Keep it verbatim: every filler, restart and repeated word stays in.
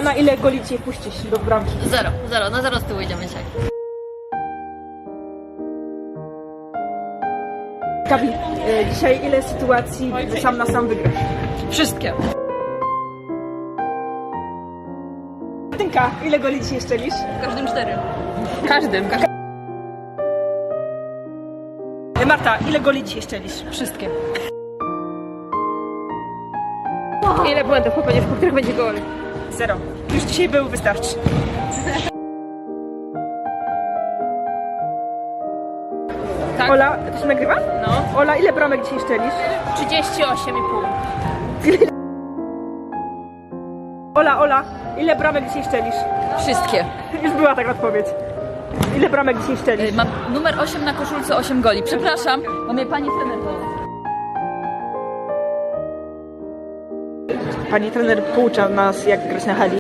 Ola, na ile goli cię puścisz do bramki? Zero, zero, na zero z tyłu idziemy dzisiaj. Gabi, e, dzisiaj ile sytuacji sam na sam wygrasz? Wszystkie. Tynka, ile goli dzisiaj strzelisz? W każdym cztery. Każdym. E, Marta, ile goli dzisiaj strzelisz? Wszystkie. Ile błędów popełnisz, po których będzie gol? Zero. Już dzisiaj był, wystarczy. Tak. Ola, to się nagrywa? No. Ola, ile bramek dzisiaj strzelisz? trzydzieści osiem i pół. Ola, Ola, ile bramek dzisiaj strzelisz? Wszystkie. Już była taka odpowiedź. Ile bramek dzisiaj strzelisz? Mam numer osiem na koszulce, osiem goli. Przepraszam, bo mnie pani trener powie. Pani trener poucza nas, jak grać na hali.